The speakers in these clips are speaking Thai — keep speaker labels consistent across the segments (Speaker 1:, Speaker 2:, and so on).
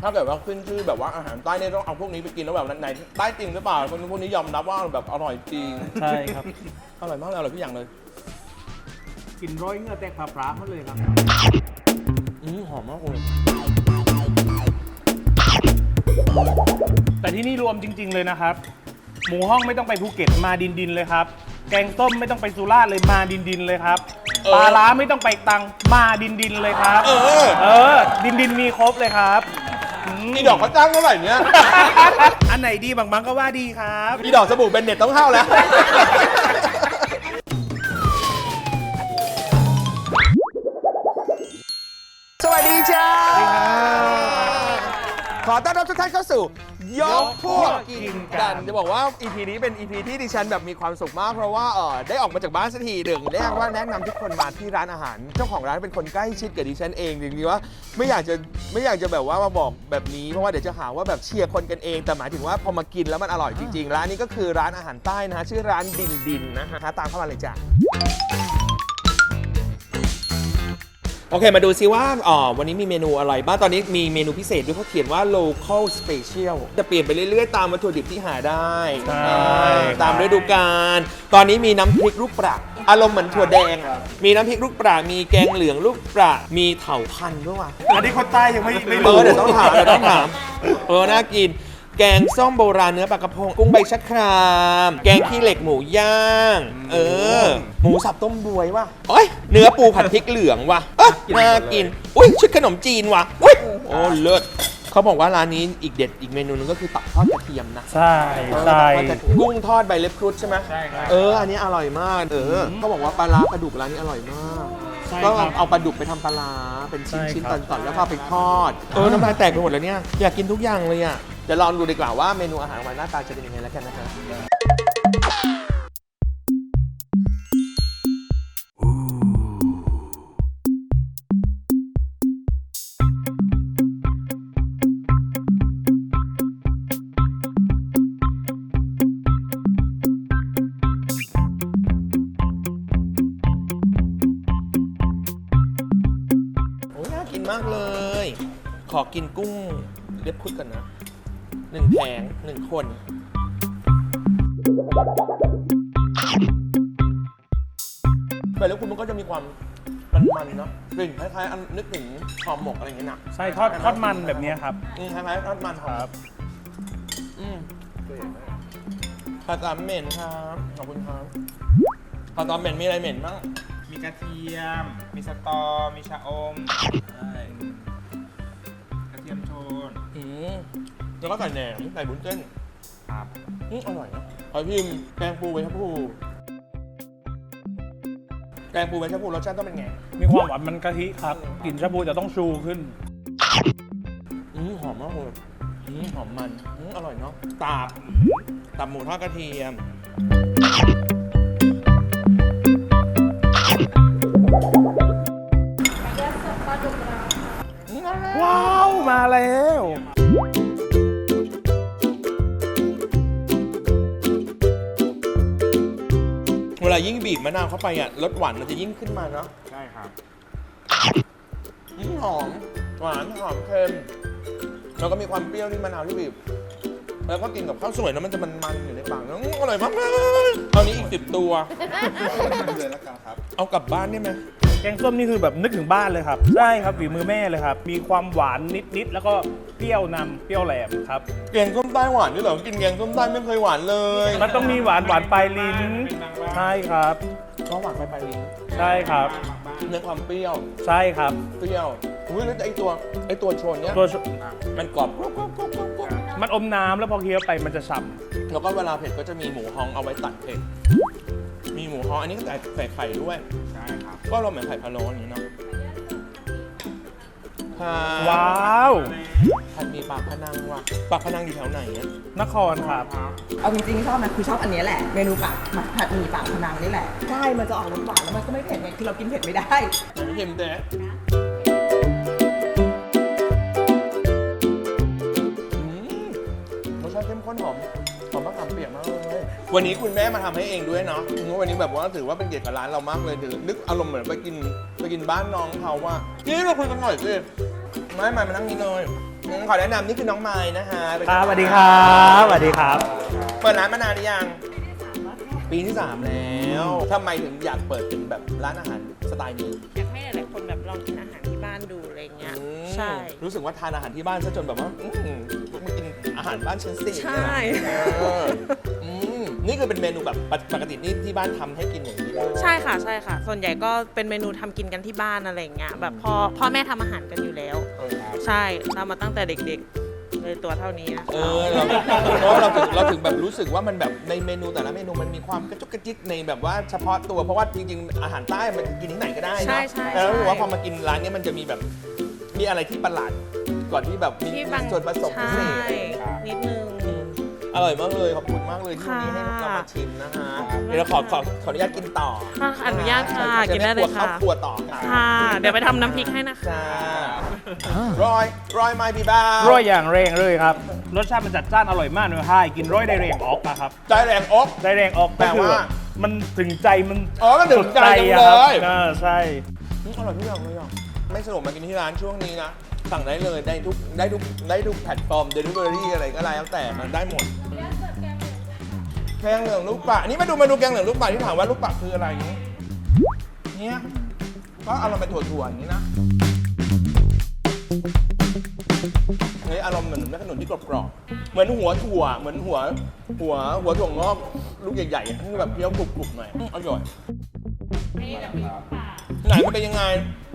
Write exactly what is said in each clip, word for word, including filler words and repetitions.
Speaker 1: ถ้าเกิดว่าขึ้นชื่อแบบว่าอาหารใต้เนี่ยต้องเอาพวกนี้ไปกินแล้วแบบไหนใต้จริงหรือเปล่าคนพวกนี้ยอมรับว่าแบบอร่อยจริง
Speaker 2: ใช่ครับ
Speaker 1: อร่อยมากเลยอร่อยทุกอย่างเลย
Speaker 2: กินร้อยเงื่อแตกผาพร้าหมดเลยครับ
Speaker 1: อืมหอมมากเลย
Speaker 2: แต่ที่นี่รวมจริง ๆเลยนะครับ หมูห้องไม่ต้องไปภูเก็ตมาดินดินเลยครับ แกงส้มไม่ต้องไปสุราษฎร์เลยมาดินดินเลยครับ ปลาล้าไม่ต้องไปตังมาดินดินเลยครับ
Speaker 1: เออ
Speaker 2: เออ ดินดินมีครบเลยครับ
Speaker 1: นี่ดอกเขาจ้างเท่าไหร่เนี่ย
Speaker 2: อันไหนดีบางบางก็ว่าดีครับ
Speaker 1: นี่ดอกสบู่เบนเน็ตต้องเข้าแล้ว สวัสดีจ้า ขอต้อนรับทุกท่านเข้าสู่ยกพวกกินกัน จะบอกว่า อี พี นี้เป็น อี พี ที่ดิฉันแบบมีความสุขมากเพราะว่าเออได้ออกมาจากบ้านสักทีหนึ่งแรกว่าแนะนำทุกคนมาที่ร้านอาหาร เจ้าของร้านเป็นคนใกล้ชิดกับดิฉันเองจริงๆว่าไม่อยากจะไม่อยากจะแบบว่ามาบอกแบบนี้เพราะว่าเดี๋ยวจะหาว่าแบบเชียร์คนกันเองแต่หมายถึงว่าพอมากินแล้วมันอร่อยจริงๆร้านนี้ก็คือร้านอาหารใต้นะฮะชื่อร้านดินดินนะฮะตามเข้ามาเลยจ้ะ โอเค มาดูซิว่าอ๋อวันนี้มีเมนูอะไรบ้าง ตอนนี้มีเมนูพิเศษด้วยเขาเขียนว่า local special จะเปลี่ยนไปเรื่อยๆ ตามวัตถุดิบที่หาได้
Speaker 2: ใช่
Speaker 1: อ่าตามฤดูกาล ตอนนี้มีน้ำพริกลูกปลาอารมณ์เหมือนถั่วแดง มีน้ำพริกลูกปลามีแกงเหลืองลูกปลามีเถาพันธุ์ด้วยว่ะ
Speaker 2: อันนี้คนใต้ยังไม่ไม่
Speaker 1: เอ
Speaker 2: รู้
Speaker 1: อเดี๋ยวต้องถามเดี๋ยวต้องถาม เออ น่ากิน แกงส้มโบราณเนื้อปลากระพง กุ้งใบชะคราม แกงขี้เหล็กหมูย่าง เออ หมูสับต้มบวยว่ะโอ้ยเนื้อปูผัดพริกเหลืองว่ะเอ้ยน่ากิน อุ้ยชุดขนมจีนว่ะอุ้ยโอ้เลิศเขาบอกว่าร้านนี้อีกเด็ดอีกเมนูนึงก็คือตับทอดกระเทียมนะ
Speaker 2: ใช่ใช่
Speaker 1: กุ้งทอดใบเล็บครุฑใช่ไหม
Speaker 2: ใช่ครับ
Speaker 1: เออ อันนี้อร่อยมาก เออเขาบอกว่าปลาร้าปลาดุกร้านนี้อร่อยมาก
Speaker 2: ใช่
Speaker 1: ก็
Speaker 2: ครับ
Speaker 1: เอาปลาดุกไปทำปลาร้าเป็นชิ้น
Speaker 2: ใช่
Speaker 1: ชิ้น
Speaker 2: ครับ
Speaker 1: ตอนๆแล้วก็เอาไปทอด เออ น้ำลายแตกไปหมดแล้วเนี่ย อยากกินทุกอย่างเลยอ่ะเดี๋ยวลองดูดีกว่าว่าเมนูอาหารวันหน้าตาจะเป็นยังไงแล้วกันนะครับโอ้ยน่ากินมากเลย ขอกินกุ้งเล็บครุฑก่อนนะหนึ่งแผงหนึ่งคนใบเล็บครุฑมันก็จะมีความมันๆเนาะกลิ่นคล้ายๆอันนึกถึงหอมหมกอะไรอย่างเงี้ยนะ
Speaker 2: ใช่ทอดทอดมันแบบนี้ครับ
Speaker 1: อืมคล้ายๆทอดมันหอม
Speaker 2: ครับ
Speaker 1: อืมผัดสามเหม็นครับขอบคุณครับผัดสามเหม็นมีอะไรเหม็นบ้าง
Speaker 3: มีกระเทียม มีสตอ มีชะอมใช่กระเทียมโทน
Speaker 1: อืมแล้วก็ใส่แหนมใส่บุ้นเส้น
Speaker 3: ครับ
Speaker 1: อืมอร่อยนะขอพิมพ์แกงปูใบชะพูแกงปูใบชะพูรสชาติต้องเป็นไง
Speaker 2: มีความหวานมันกะทิครับกลิ่นชาบูจะต้องชูขึ้น
Speaker 1: อืมหอมมากเลยอืมหอมมันอืมอร่อยเนาะตับตับหมูทอดกระเทียมอืมอร่อย
Speaker 2: ว้าว มาแล้ว
Speaker 1: เวลายิ่งบีบมะนาวเข้าไปอ่ะรสหวานมันจะยิ่งขึ้นมาเนาะ
Speaker 3: ใช่ครับ
Speaker 1: อืมหอมหวานหอมเค็มแล้วก็มีความเปรี้ยวที่มะนาวที่บีบแล้วก็กินกับข้าวสวยแล้วมันจะมันๆอยู่ในปากแล้วอืมอร่อยมากเลยตอนนี้อีกสิบตัว
Speaker 3: เลยแล้วกันครับ
Speaker 1: เอากลับบ้านได้ไหม
Speaker 2: แกงส้มนี่คือแบบนึกถึงบ้านเลยครับ ใช่ครับฝีมือแม่เลยครับ มีความหวานนิดๆแล้วก็เปรี้ยวนำเปรี้ยวแหลมครับ
Speaker 1: แกงส้มใต้หวานด้วยเหรอกินแกงส้มใต้ไม่เคยหวานเลย
Speaker 2: มันต้องมีหวานหวานปลายลิ้น ใช่ครับ
Speaker 1: ก็หวานไปไปลิ้น
Speaker 2: ใช่ครับ
Speaker 1: ในความเปรี้ยว
Speaker 2: ใช่ครับ
Speaker 1: เปรี้ยวอุ้ยแล้วไอตัวไอตัวโชนเนี้ย
Speaker 2: ตัว
Speaker 1: มันกรอบกรอบกรอบกรอบกรอบกรอบ
Speaker 2: มันอมน้ำแล้วพอเคี้ยวไปมันจะฉ่
Speaker 1: แล้วก็เวลาเผ็ดก็จะมีหมูฮ้องเอาไว้ตัดเผ็ดมีหมูฮ้องอันนี้ก็ใส่ใส่ไข่ด้วย
Speaker 3: ใช่ครับ
Speaker 1: ก็เราเหมือนไข่พะโล้อย่างนี้เนาะค่ะ
Speaker 2: ำว้าว
Speaker 1: ผัดหมีปากพนังว่ะปากพนังอยู่แถวไหนอะ
Speaker 2: นครครับ
Speaker 4: เอาจริงๆชอบนะคือชอบอันเนี้ยแหละเมนูปากผัดหมี่ปากพนังนี่แหละใช่มันจะออกรสหวานแล้วมันก็ไม่เผ็ดไงคือเรากินเผ็ดไม่ได้
Speaker 1: ไหนไม่เค็มแต่อืมรสชาติเข้มข้นหอมหอมมะขามเปียกมากเลยวันนี้คุณแม่มาทำให้เองด้วยเนาะวันนี้แบบว่าถือว่าเป็นเกียรติกับร้านเรามากเลยถือนึกอารมณ์เหมือนไปกินไปกินบ้านน้องเขาว่านี่เราคุยกันหน่อยสิไม่ไม่มานั่งนี่เลยอืมขอแนะนำนี่คือน้องไม้นะฮะเป็น
Speaker 2: ครับสวัสดีครับสวัสดีครับ
Speaker 1: เปิดร้านมานานหรือยัง ปีที่สามแล้วทำไมถึงอยากเปิดเป็นแบบร้านอาหารสไตล์นี้
Speaker 5: อยากให้หลายๆคนแบบลองกินอาหารที่บ้านดูอะไรเงี้ย
Speaker 1: อืม
Speaker 5: ใช่
Speaker 1: รู้สึกว่าทานอาหารที่บ้านซะจนแบบว่าอืมมากินอาหารบ้านฉันสิ
Speaker 5: ใช่
Speaker 1: เอออืมนี่คือเป็นเมนูแบบปกตินี่ที่บ้านทำให้กินอย่างนี้เลย
Speaker 5: ใช่ค่ะใช่ค่ะ ส่วนใหญ่ก็เป็นเมนูทำกินกันที่บ้านอะไรเงี้ยแบบพ่อพ่อแม่ทำอาหารกันอยู่แล้ว
Speaker 1: เออ
Speaker 5: ใช่ทำมาตั้งแต่เด็กๆเลยตัวเท่านี้นะ
Speaker 1: เออเราเพราะเราถึงเราถึงแบบรู้สึกว่ามันแบบในเมนูแต่ละเมนูมันมีความกระจุกกระจิกในแบบว่าเฉพาะตัวเพราะว่าจริงๆอาหารใต้มันกินที่ไหนก็ได้เน
Speaker 5: ใช่
Speaker 1: อะ
Speaker 5: ใช่
Speaker 1: แล้วรู้สึกว่า
Speaker 5: ใช่
Speaker 1: พอมากินร้านเนี้ยมันจะมีแบบมีอะไรที่ประหลาดก่อนที่แบบมี
Speaker 5: ที่บาง
Speaker 1: ส่วนผสมพิเศ
Speaker 5: ใช่
Speaker 1: ษ
Speaker 5: นิดนึง
Speaker 1: อร่อยมากเลยขอบคุณมากเลยที่วันนี้ให้
Speaker 5: ค่ะ
Speaker 1: เรามาชิมนะฮะเดี๋ยวเราขอขอขออนุญาตกินต่อ
Speaker 5: ค่ะอนุญาตค่ะ
Speaker 1: ใช่
Speaker 5: กินได้เลย
Speaker 1: จะ
Speaker 5: ค่ะ
Speaker 1: ข้าวครัวต่อค่ะ
Speaker 5: ค่ะ เดี๋ยวไปทำน้ำพริกให้นะคะ
Speaker 1: จ้า รอยรอยไม้บีบ้า
Speaker 2: ร้อยอย่างแรงเลยครับ รสชาติมันจัดจ้านอร่อยมากเลยให้กินร้อยได้แรงออกนะครับ
Speaker 1: ใจแรงอก
Speaker 2: ได้แรงออก
Speaker 1: แปลว่า
Speaker 2: ก็คือมันถึงใจมัน
Speaker 1: อ๋อมันถึงใจจัง
Speaker 2: อะ
Speaker 1: เล
Speaker 2: ครับ
Speaker 1: ย
Speaker 2: เออใช่
Speaker 1: อืมอร่อยทุกอย่างเลยอ่ะไม่สนุกมากินที่ร้านช่วงนี้นะ สั่งได้เลยได้ทุกได้ทุกได้ทุกแพลตฟอร์มเดลิเวอรี่อะไรก็แล้วแต่มันได้หมดแกงเหลืองลูกปัดนี่มาดูเมนูแกงเหลืองลูกปัดที่ถามว่าลูกปัดคืออะไรนี้เนี่ยก็อารมณ์เป็นถั่วๆอย่างนี้นะเฮ้ยอารมณ์เหมือนแม่ขนุนที่กรอบๆเหมือนหัวถั่วเหมือนหัวหัวหัวถั่วงอกลูกใหญ่ๆที่แบบเคี้ยวกรุบๆหน่อยอืมอร่อยไหนมันเป็นยังไง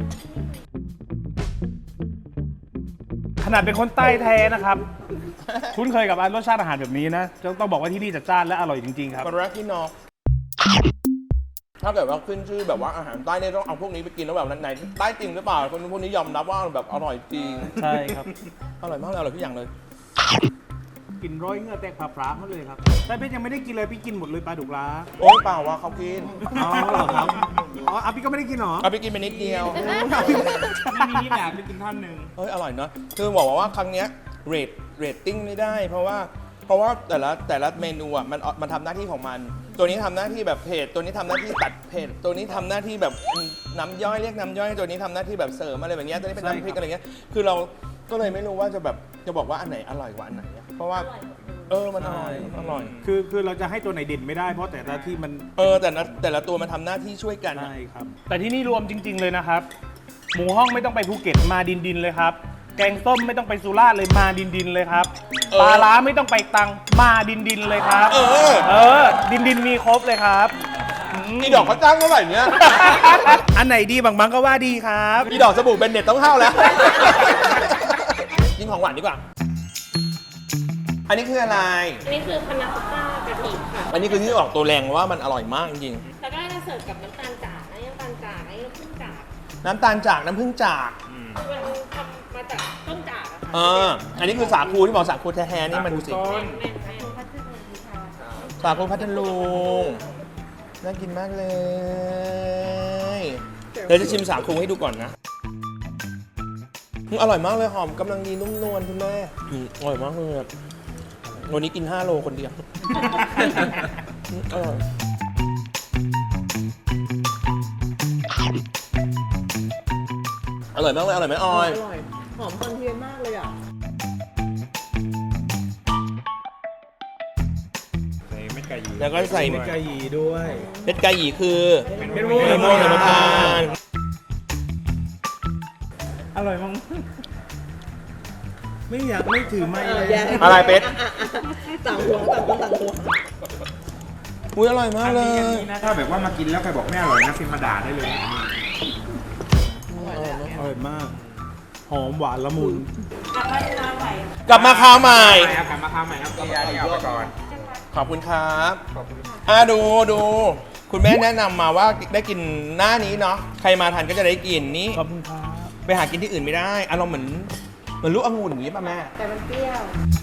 Speaker 2: ขนาดเป็นคนใต้แท้นะครับ คุ้นเคยกับรสชาติอาหารแบบนี้นะต้องบอกว่าที่นี่จัดจ้านและอร่อยจริงๆครับ
Speaker 1: ปลาแรกที่นอกถ้าเกิดว่าขึ้นชื่อแบบว่าอาหารใต้เนี่ยต้องเอาพวกนี้ไปกินแล้วแบบไหนใต้จริงหรือเปล่าคนพวกนี้ยอมรับว่าแบบอร่อยจริง
Speaker 2: ใช่ครับ
Speaker 1: อร่อยมากเลยอร่อยทุกอย่างเลย
Speaker 2: กินร้อยเหงือแตกผาพร้ามาเลยครับแต่เพชรยังไม่ได้กินเลยพี่กินหมดเลยปลาดุกล้า
Speaker 1: โอ๊ยเปล่าว่าเขากิน
Speaker 2: อ๋อเหรอครับอ๋ออ่ะพี่ก็ไม่ได้กินเหรอ
Speaker 1: เอาไปกินไปนิดเดียว
Speaker 2: ไม่มีนี่แบบไปกินท่านหนึ่ง
Speaker 1: เฮ้ยอร่อยเนาะคือบอกว่าครั้งเนี้ยเรทเรตติ้งไม่ได้ เพราะว่าเพราะว่าแต่ละแต่ละเมนูอ่ะมันมันทำหน้าที่ของมัน ตัวนี้ทำหน้าที่แบบเผ็ดตัวนี้ทำหน้าที่ตัดเผ็ดตัวนี้ทำหน้าที่แบบน้ำย่อยเรียกน้ำย่อยตัวนี้ทำหน้าที่แบบเสริมอะไรแบบเนี้ยตัวนี้เป็นน้ำพริกอะไรเงี้ยคือเราก็เลยไม่รู้ว่าจะแบบจะบอกว่าอันไหนอร่อยกว่าอันไหนอะเพราะว่าเออมันอร่อยอร่อย
Speaker 2: คือคือเราจะให้ตัวไหนเด่นไม่ได้เพราะแต่ละที่มัน
Speaker 1: เออแต่ละแต่ละตัวมันทำหน้าที่ช่วยกันอะ
Speaker 2: ใช่ครับ แต่ที่นี่รวมจริง ๆเลยนะครับ หมูห้องไม่ต้องไปภูเก็ตมาดินดินๆเลยครับ แกงส้มไม่ต้องไปสุราษฎร์เลยมาดินดินๆเลยครับปลาร้าไม่ต้องไปตรังมาดินดินๆเลยครับ
Speaker 1: เออ
Speaker 2: เออ ดินดินๆมีครบเลยครับ
Speaker 1: อีดอกเขาจ้างเท่าไหร่เนี่ย
Speaker 2: อันไหนดีบางบางก็ว่าดีครับ
Speaker 1: อีดอกสบู่เบนเน็ตต้องเข้าแล้ว กินของหวานดีกว่า อันนี้คืออะไร
Speaker 5: อันนี้คือพานาคอตต้ากะทิค่ะ
Speaker 1: อันนี้คือที่ออกตัวแรงว่ามันอร่อยมากจริง
Speaker 5: แล้วก็จะเสิร์ฟกับน้ำตาลจากอันนี้น้ำตาลจากอันนี้น้ำผึ้งจาก
Speaker 1: ๆน้ำตาลจากน้ำผึ้งจาก
Speaker 5: มันทำมาจากต้นจากอะค่ะ
Speaker 1: เอออันนี้คือสาคูที่บอกสาคูแท้ๆนี่มันดูสิ
Speaker 5: แม่นแม่นแม่น
Speaker 1: สาคูพัทลุงน่ากินมากเลย เดี๋ยวจะชิมสาคูให้ดูก่อนนะอืมอร่อยมากเลยหอมกำลังดีนุ่มนวลคุณแม่อืมอร่อยมากเลยอะวันนี้กินห้าโลคนเดียวอืมอร่อยอร่อยมากเลยอร่อยไหมออย
Speaker 4: อร่อย หอมคอนเทียนมากเลยอ่ะ
Speaker 3: ใส่เม็ดไก่ยี
Speaker 1: แล้วก็ใส่
Speaker 2: มีไก่หยีด้วย
Speaker 1: เม็ดไก่หยีคือ
Speaker 2: เป็นม่วง
Speaker 1: มะม่วงหิมพานต์
Speaker 2: อร่อยมากไม่อยากไม่ถือไม่เลย
Speaker 4: แย่
Speaker 1: อะไรเป็ด
Speaker 4: ต่างหัวต่างคนต่างหัว
Speaker 1: อุ้ยอร่อยมากเลย
Speaker 3: นะถ้าแบบว่ามากินแล้วใครบอกไม่อร่อยนะพิมพ์มาด่าได้เลย
Speaker 2: อร่อยมาก หอมหวานละมุน
Speaker 1: กลับมาคราวใหม่
Speaker 3: ไปครับกลับมาทำใหม่ครับเกียร์นี่เอาไปก่อน
Speaker 1: ขอบคุณครับอ่ะดูดูคุณแม่แนะนำมาว่าได้กินหน้านี้เนาะใครมาทันก็จะได้กินนี้
Speaker 2: ขอบคุณครับ
Speaker 1: ไปหากินที่อื่นไม่ได้อารมณ์เหมือนเหมือนลูกองุ่นอย่างนี้ป่ะแม่
Speaker 4: แต่มันเปรี้ยว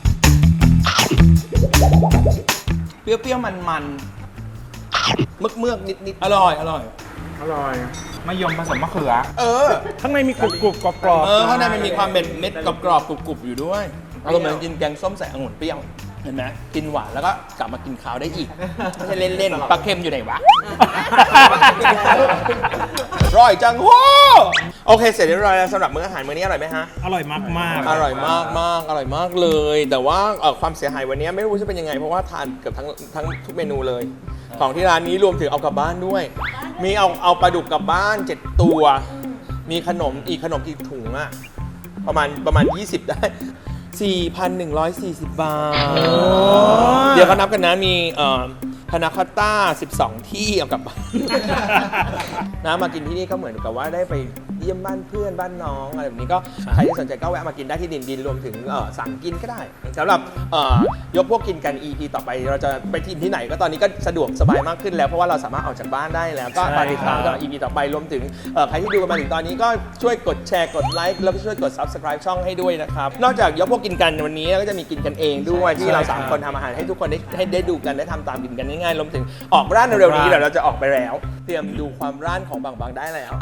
Speaker 1: เปรี้ยวๆมันๆเมือกเมือกๆนิดๆอร่อยอร่อย
Speaker 3: อร่อยมะยมผสมมะเขือ
Speaker 1: เออ
Speaker 2: ข้างในมีกรุบกรุบกรอบกรอบ
Speaker 1: เออข้างในมันมีความเม็ดเม็ดกรอบๆกรุบๆอยู่ด้วยอารมณ์เหมือนกินแกงส้มใส่องุ่นเปรี้ยวเห็นไหมกินหวานแล้วก็กลับมากินข้าวได้อีกไม่ใช่เล่นๆปลาเค็มอยู่ไหนวะร่อยจังโว้โอเคเสร็จเรียบร้อยแล้วสำหรับมื้ออาหารมื้อนี้อร่อยไหมฮะ
Speaker 2: อร่อยมากมาก
Speaker 1: อร่อยมากมากอร่อยมากเลย แต่ว่าเอ่อความเสียหายวันนี้ไม่รู้จะเป็นยังไงเพราะว่าทานเกือบทั้งทั้งทุกเมนูเลย ของที่ร้านนี้รวมถึงเอากลับบ้านด้วย มีเอาเอาปลาดุกกลับบ้านเจ็ดตัว มีขนมอีกขนมกี่ถุงอะประมาณประมาณยี่สิบได้ สี่พันหนึ่งร้อยสี่สิบ บาท เดี๋ยวเขานับกันนะมีเอ่อพานาคอตต้าสิบสองที่เอากลับบ้าน นะมากินที่นี่ก็เหมือนกับว่าได้ไปเยี่ยมบ้านเพื่อนบ้านน้องอะไรแบบนี้ก็ใครที่สนใจก็แวะมากินได้ที่ดินดินรวมถึงเอ่อสั่งกินก็ได้สำหรับเอ่อยกพวกกินกัน อี พี ต่อไปเราจะไปกินที่ไหนก็ตอนนี้ก็สะดวกสบายมากขึ้นแล้วเพราะว่าเราสามารถออกจากบ้านได้แล้วก็ตอนติดตามต่อ อี พี ต่อไปรวมถึงเอ่อใครที่ดูกันมาถึงตอนนี้ก็ช่วยกดแชร์กดไลค์แล้วก็ช่วยกด Subscribe ช่องให้ด้วยนะครับนอกจากยกพวกกินกันวันนี้ก็จะมีกินกันเองด้วยที่เราสามคนทำอาหารให้ทุกคนได้ให้ได้ดูกันได้ทำตามกินกันง่ายๆรวมถึงออกร้านเร็วๆนี้เดี๋ยวเราจะออกไปแล้ว เตรียมดูความร้านของบางบางได้แล้ว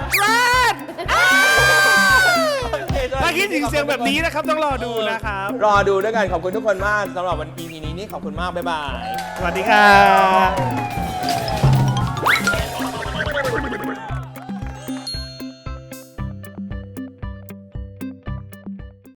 Speaker 2: ถ้าคิดถึงเสียงแบบนี้นะครับต้องรอดูนะครับ
Speaker 1: รอดูด้วยกันขอบคุณทุกคนมากสำหรับวัน อี พี นี้นี่ขอบคุณมาก บ๊ายบาย
Speaker 2: สวัสดีครับ